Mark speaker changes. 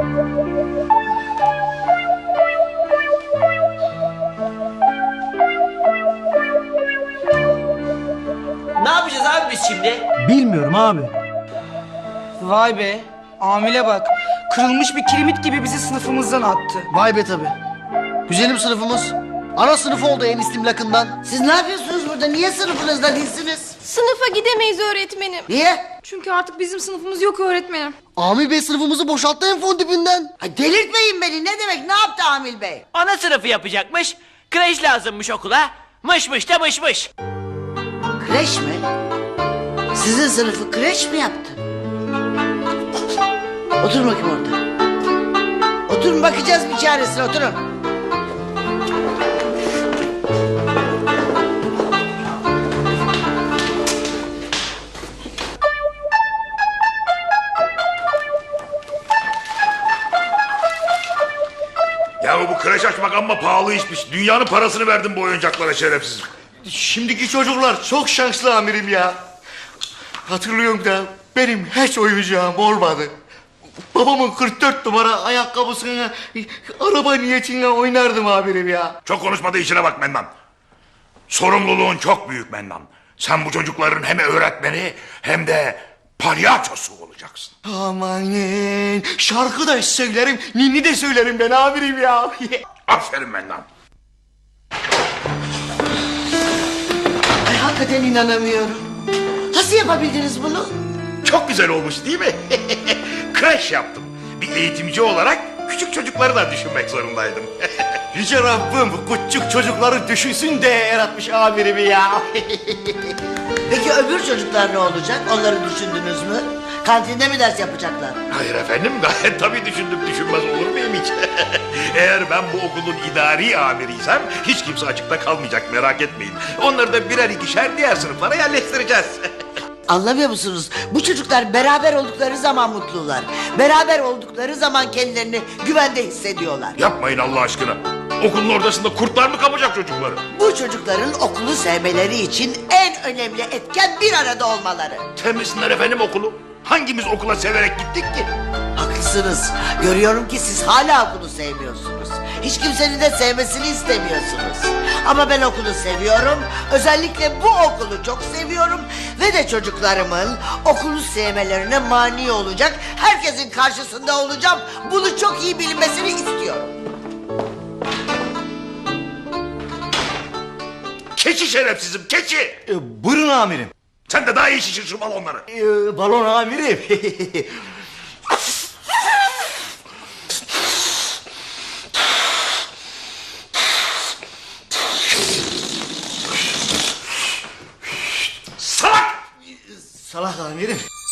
Speaker 1: Ne yapacağız abi biz şimdi?
Speaker 2: Bilmiyorum abi.
Speaker 3: Vay be, amile bak. Kırılmış bir kiremit gibi bizi sınıfımızdan attı.
Speaker 2: Vay be tabi. Güzelim sınıfımız. Ana sınıfı oldu en istimlakından.
Speaker 4: Siz ne yapıyorsunuz burada? Niye sınıfınızda değilsiniz?
Speaker 5: Sınıfa gidemeyiz öğretmenim.
Speaker 4: Niye?
Speaker 5: Çünkü artık bizim sınıfımız yok öğretmenim.
Speaker 2: Amil Bey sınıfımızı boşalttı en fon dibinden.
Speaker 4: Ay delirtmeyin beni. Ne demek? Ne yaptı Amil Bey?
Speaker 1: Ana sınıfı yapacakmış. Kreş lazımmış okula. Mışmış da mışmış.
Speaker 4: Kreş mi? Sizin sınıfı kreş mi yaptı? Oturun bakayım orada. Oturun, bakacağız bir çaresine, oturun.
Speaker 6: Ya bu kreş açmak amma pahalı işmiş. Dünyanın parasını verdim bu oyuncaklara şerefsiz.
Speaker 2: Şimdiki çocuklar çok şanslı amirim ya. Hatırlıyorum da benim hiç oyuncağım olmadı. Babamın 44 numara ayakkabısını araba niyetine oynardım amirim ya.
Speaker 6: Çok konuşma da işine bak Mennan. Sorumluluğun çok büyük Mennan. Sen bu çocukların hem öğretmeni hem de palyaçosu olacaksın.
Speaker 2: Amanın şarkı da söylerim, ninni de söylerim ben amirim ya.
Speaker 6: Aferin Mennan.
Speaker 4: Ay hakikaten inanamıyorum. Nasıl yapabildiniz bunu?
Speaker 6: Çok güzel olmuş değil mi? Kreş yaptım. Bir eğitimci olarak küçük çocukları da düşünmek zorundaydım.
Speaker 2: Yüce Rabbim küçük çocukları düşünsün de yaratmış amirimi ya.
Speaker 4: Peki öbür çocuklar ne olacak? Onları düşündünüz mü? Kantinde mi ders yapacaklar?
Speaker 6: Hayır efendim, gayet tabii düşündüm, düşünmez olur muyum hiç? Eğer ben bu okulun idari amiriysem hiç kimse açıkta kalmayacak, merak etmeyin. Onları da birer ikişer diğer sınıflara yerleştireceğiz.
Speaker 4: Anlamıyor musunuz? Bu çocuklar beraber oldukları zaman mutlular. Beraber oldukları zaman kendilerini güvende hissediyorlar.
Speaker 6: Yapmayın Allah aşkına. Okulun ortasında kurtlar mı kapacak çocukları?
Speaker 4: Bu çocukların okulu sevmeleri için en önemli etken bir arada olmaları.
Speaker 6: Temizsinler efendim okulu. Hangimiz okula severek gittik ki?
Speaker 4: Haklısınız. Görüyorum ki siz hala okulu sevmiyorsunuz. Hiç kimsenin de sevmesini istemiyorsunuz. Ama ben okulu seviyorum. Özellikle bu okulu çok seviyorum. Ve de çocuklarımın okulu sevmelerine mani olacak. Herkesin karşısında olacağım. Bunu çok iyi bilmesini istiyorum.
Speaker 6: Keçi şerefsizim, keçi!
Speaker 2: Buyurun amirim.
Speaker 6: Sen de daha iyi şişir şu balonları.
Speaker 2: Balon amirim.
Speaker 6: Salak!
Speaker 2: Salak amirim.